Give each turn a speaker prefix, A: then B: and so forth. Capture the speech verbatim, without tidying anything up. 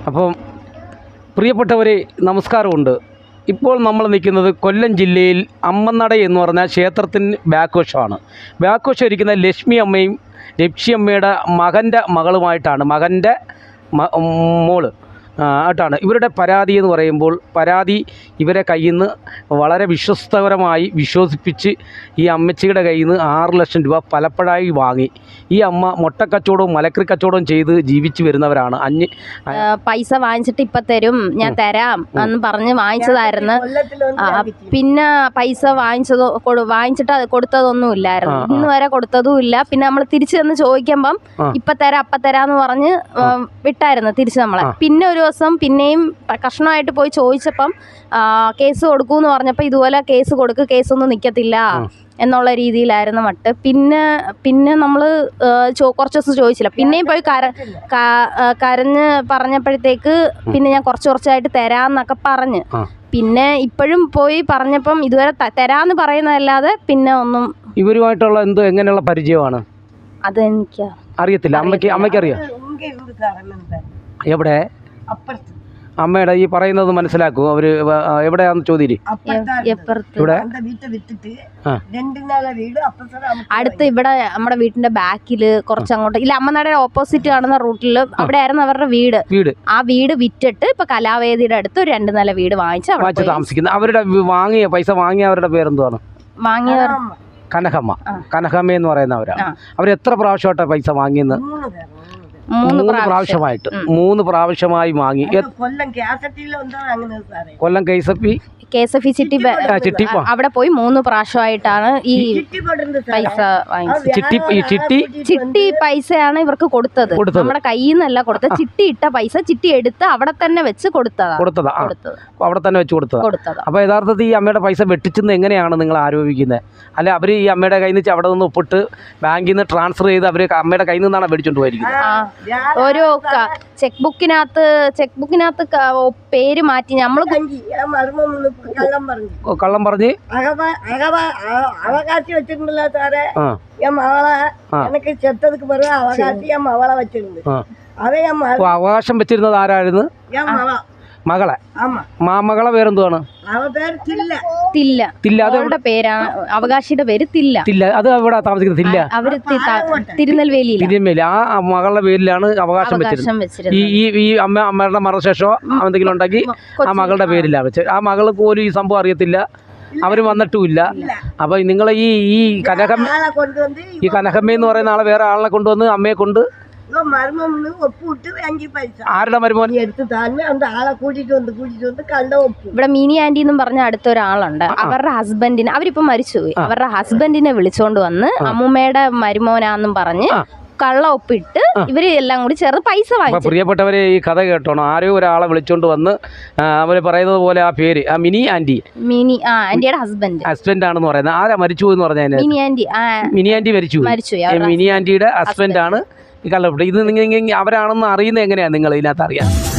A: അപ്പം പ്രിയപ്പെട്ടവരെ നമസ്കാരമുണ്ട്. ഇപ്പോൾ നമ്മൾ നിൽക്കുന്നത് കൊല്ലം ജില്ലയിൽ അമ്മനട എന്ന് പറഞ്ഞ ക്ഷേത്രത്തിന് ബാക്ക് വശമാണ്. ബാക്ക് വശം ഇരിക്കുന്ന ലക്ഷ്മി അമ്മയും ലക്ഷ്മി അമ്മയുടെ മകൻ്റെ മകളുമായിട്ടാണ്, മകൻ്റെ മോള് ആയിട്ടാണ്. ഇവരുടെ പരാതി എന്ന് പറയുമ്പോൾ പരാതി ഇവരെ കയ്യിൽ നിന്ന് വളരെ വിശ്വസ്തപരമായി വിശ്വസിപ്പിച്ച് ഈ അമ്മച്ചിയുടെ കയ്യിൽ നിന്ന് ആറ് ലക്ഷം രൂപ പലപ്പോഴായി വാങ്ങി. ഈ അമ്മ മുട്ടക്കച്ചവടവും മലക്കറി കച്ചവടവും ചെയ്ത് ജീവിച്ചു വരുന്നവരാണ്. അഞ്ഞ്
B: പൈസ വാങ്ങിച്ചിട്ട് ഇപ്പം തരും, ഞാൻ തരാം എന്ന് പറഞ്ഞ് വാങ്ങിച്ചതായിരുന്നു. പിന്നെ പൈസ വാങ്ങിച്ചതോ വാങ്ങിച്ചിട്ട് കൊടുത്തതൊന്നുമില്ലായിരുന്നു, ഇന്ന് വരെ കൊടുത്തതും ഇല്ല. പിന്നെ നമ്മൾ തിരിച്ചു ചെന്ന് ചോദിക്കുമ്പം ഇപ്പം തരാം അപ്പം തരാമെന്ന് പറഞ്ഞ് വിട്ടായിരുന്നു തിരിച്ച് നമ്മളെ. പിന്നെ ഒരു ദിവസം പിന്നെയും കഷ്ണമായിട്ട് പോയി ചോദിച്ചപ്പം കേസ് കൊടുക്കൂന്ന് പറഞ്ഞപ്പോൾ ഇതുപോലെ കേസ് കൊടുക്ക്, കേസൊന്നും നിൽക്കത്തില്ല എന്നുള്ള രീതിയിലായിരുന്നു മട്ട്. പിന്നെ പിന്നെ നമ്മൾ ചോ കുറച്ച് ദിവസം ചോദിച്ചില്ല. പിന്നെയും പോയി കര കരഞ്ഞ് പറഞ്ഞപ്പോഴത്തേക്ക് പിന്നെ ഞാൻ കുറച്ച് കുറച്ചായിട്ട് തരാമെന്നൊക്കെ പറഞ്ഞ് പിന്നെ ഇപ്പോഴും പോയി പറഞ്ഞപ്പം ഇതുവരെ തരാമെന്ന് പറയുന്നതല്ലാതെ പിന്നെ ഒന്നും. ഇവരുമായിട്ടുള്ള എന്തോ എങ്ങനെയുള്ള പരിചയമാണ് അതെനിക്ക് അറിയത്തില്ല. അമ്മയ്ക്ക് അമ്മയ്ക്കറിയാം. എവിടെ അമ്മയുടെ ഈ പറയുന്നത് മനസ്സിലാക്കൂ. അവര് എവിടെയാന്ന് ചോദ്യം ഇവിടെ അടുത്ത് ഇവിടെ നമ്മുടെ വീടിന്റെ ബാക്കില് കുറച്ച് അങ്ങോട്ട് ഇല്ല, അമ്മനടയുടെ ഓപ്പോസിറ്റ് കാണുന്ന റൂട്ടിൽ അവിടെ ആയിരുന്നു അവരുടെ വീട്. വീട് ആ വീട് വിറ്റിട്ട് ഇപ്പൊ കലാവേദിയുടെ അടുത്ത് ഒരു രണ്ട് നില വീട് വാങ്ങിച്ച് വാങ്ങിച്ച് താമസിക്കുന്നത്. അവരുടെ വാങ്ങിയ പൈസ വാങ്ങിയ അവരുടെ പേരെന്തുവാണ്? വാങ്ങിയവർ കനകമ്മ. കനകമ്മ എന്ന് പറയുന്നവരാണ്. അവർ എത്ര പ്രാവശ്യമായിട്ടാണ് പൈസ വാങ്ങിയെന്ന്? മൂന്ന് പ്രാവശ്യമായിട്ട് മൂന്ന് പ്രാവശ്യമായി വാങ്ങി. Kollam K S F E K S F E ചിട്ടി ചിട്ടി അവിടെ പോയി മൂന്ന് പ്രാവശ്യമായിട്ടാണ് ഈ പൈസ വാങ്ങിച്ചത്. ചിട്ടി ചിട്ടി ചിട്ടി പൈസയാണ് ഇവർക്ക് കൊടുത്തത്. നമ്മുടെ കയ്യിൽ നിന്നല്ല കൊടുത്തത്, ചിട്ടി ഇട്ട പൈസ ചിട്ടി എടുത്ത് അവിടെ തന്നെ വെച്ച് കൊടുത്തതാ കൊടുത്തതാ കൊടുത്തത് അവിടെ തന്നെ വെച്ച് കൊടുത്തത് കൊടുത്തത് അപ്പൊ യഥാർത്ഥത്തിൽ ഈ അമ്മയുടെ പൈസ വെട്ടിച്ചെന്ന് എങ്ങനെയാണ് നിങ്ങൾ ആരോപിക്കുന്നത്? അല്ലെ അവര് ഈ അമ്മയുടെ കയ്യിൽ നിന്ന് അവിടെ നിന്ന് ഒപ്പിട്ട് ബാങ്കിൽ നിന്ന് ട്രാൻസ്ഫർ ചെയ്ത് അവര് അമ്മയുടെ കയ്യിൽ നിന്നാണ് മേടിച്ചോണ്ട് പോയിരിക്കുന്നത്. ഓരോ ചെക്ക് ബുക്കിനകത്ത് ചെക്ക് ബുക്കിനകത്ത് പേര് മാറ്റി നമ്മൾ കള്ളം പറഞ്ഞ്
C: അവകാശി വെച്ചിട്ടുണ്ടല്ലോ സാറേ. ഞാൻ മകളെ എനിക്ക് ചെത്തതുക്ക് പറയാ അവകാശി ഞാൻ മകളെ വെച്ചിട്ടുണ്ട്. അതെ
A: അവകാശം വെച്ചിരുന്നത് ആരായിരുന്നു? മകളെ. മാമകളെ പേരെന്തുവാണ്?
B: അവരുടെ പേരാണ് അവകാശിയുടെ പേര് തില്ല.
A: തില്ല അത് എവിടെ താമസിക്കുന്നത്? തില്ല
B: അവര് തിരുനെൽവേലി.
A: തിരുനെൽവേലി ആ മകളുടെ പേരിലാണ് അവകാശം വെച്ചിരുന്നത്. ഈ ഈ ഈ അമ്മ അമ്മയുടെ മരണശേഷമോ എന്തെങ്കിലും ഉണ്ടെങ്കിൽ ആ മകളുടെ പേരിലാണ് വെച്ചത്. ആ മകള് പോലും ഈ സംഭവം അറിയത്തില്ല, അവര് വന്നിട്ടുമില്ല. അപ്പൊ നിങ്ങൾ ഈ ഈ കനകമ്മ ഈ കനകമ്മ എന്ന് പറയുന്ന ആളെ വേറെ ആളിനെ കൊണ്ടുവന്ന് അമ്മയെ കൊണ്ട് ആരുടെ മരുമോൻ
B: ഇവിടെ മിനി ആന്റി എന്നും പറഞ്ഞ അടുത്തൊരാളുണ്ട്. അവരുടെ ഹസ്ബൻഡിന് അവരിപ്പോ മരിച്ചുപോയി. അവരുടെ ഹസ്ബൻഡിനെ വിളിച്ചോണ്ട് വന്ന് അമ്മൂമ്മയുടെ മരുമോനാന്നും പറഞ്ഞ് കള്ള ഒപ്പിട്ട് ഇവര് എല്ലാം കൂടി ചേർന്ന് പൈസ വാങ്ങി.
A: പ്രിയപ്പെട്ടവരെ ഈ കഥ കേട്ടോണം. ആരോ ഒരാളെ വിളിച്ചോണ്ട് വന്ന് അവര് പറയുന്നത് പോലെ ആ പേര് ആ മിനി ആന്റി
B: മിനി ആ ആന്റിയുടെ ഹസ്ബൻഡ് ഹസ്ബൻഡ്
A: ആണെന്ന് പറയുന്നത്. ആരാ മരിച്ചു എന്ന് പറഞ്ഞാൽ മിനി ആന്റി മിനി ആന്റി മരിച്ചു മരിച്ചു മിനി ആന്റിയുടെ ഹസ്ബൻഡ് ആണ് ഈ കള്ളപ്പൊട്ട്. ഇത് നിങ്ങൾ അവരാണെന്ന് അറിയുന്നത് എങ്ങനെയാണ് നിങ്ങൾ ഇതിനകത്ത് അറിയാം?